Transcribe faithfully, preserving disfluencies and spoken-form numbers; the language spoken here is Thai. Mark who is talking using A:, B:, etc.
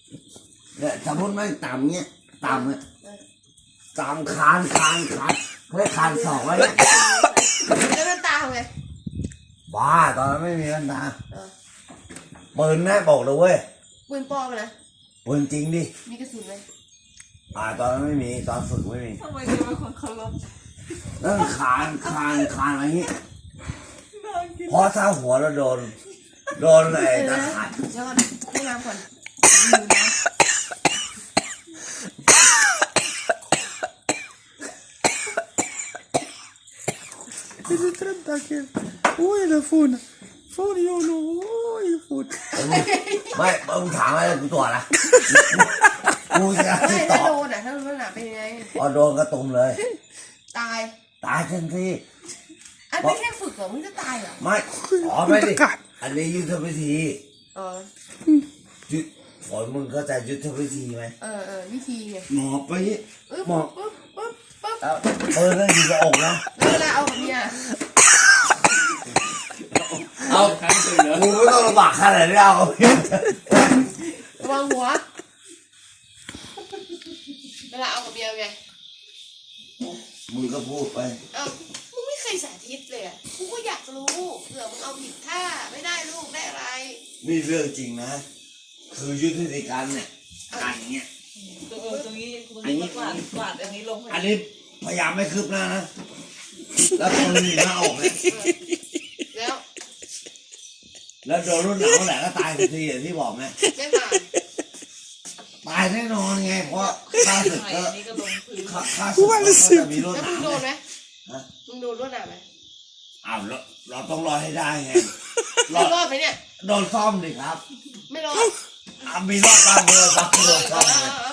A: เนี่ยสมมติไม่ต่ำเนี้ยต่ำเนี่ยต่ำคานคานคานเฮ้ยคานสองไว้เนี่ย
B: แล้วมันตาทำไง
A: บ้าตอนนั้นไม่มีกันตาปืนนะบอกเลยเว้ย
B: ปืนปลอมนะ
A: ปืนจริงดิ
B: มีกระสุนไหม
A: อ่าตอนนั้นไม่มีตอนฝึกไม่มี
C: ทำไมเธอเป็นคนเคารพ
A: นั่นคานคานคานอะไรนี้พอถ้าหัวเราโดนโดนไอ้ตะขัด
B: เดี๋ยวก่อนให้น้ำก่อน
C: ไม่ได้ทำตาเกลโอ้ยละฝุ่นฝุ่นโยโน่โอ้ยฝุ่น
A: ไม่มึงถามอะไรกูตัวละกูจะ
B: ไม่ถ้าโดนอ่ะถ้าโดนหนาเป็นยังไง
A: พอโดนกระตุ่มเลย
B: ตาย
A: ตายทันที
B: อันไม่แค่ฝึกเหรอมึงจะตายเหรอ
A: ไม่อ๋อไม่ดิอันนี้ยุทธวิธี
B: เออ
A: ยุทธฝนมึงเข้าใจยุทธวิธีไหม
B: เออเออวิธีไง
A: หมอบไปหมอบ
B: ปึ๊บปึ๊บปึ๊บ
A: เออนั่นอยู่กับอกนะ
B: แล้วเวลาเอาแบบเนี้ย
A: เอากูไม่ต้องลำบากขนาดนี้เอา
B: ระวังหัวเวลาเอากับเมียไง
A: มึงก็พูดไป
B: เอ้ามึงไม่เคยสาธิตเลยอ่ะกูก็อยากรู้เผื่อมึงเอาผิดท่าไม่ได้ลูกได้อะไร
A: นี่เรื่องจริงนะคือยุทธวิธีการเนี่ยการอย่างเงี้ย
C: ตรงตรงนี้ตรงนี้กวาดกวาดอันนี้ลง
A: อันนี้พยายามไม่คืบหน้านะแล้วตรงนี้หน้าออกเลย
B: แล้ว
A: แล้วโดนรุ่นหนาวแหละก็ตายทันทีอย่างที่บอกไง
B: ไม่ผ่าน
A: ตายแน่นอนไงเพราะข้าศึกก็ข้าข้าศึกก็จะมีรุ่นหนาว
B: แล้วมึงโดนไหมมึงโดนรุ่นหนาวไหม
A: อ้าวเราเราต้องรอให้ได้ไง
B: รอดรอดไหมเนี่ย
A: โดนซ่อมดิครับ
B: ไม่รอด
A: มีรอดบ้างเมื่อบ้างโดนซ่อมเลย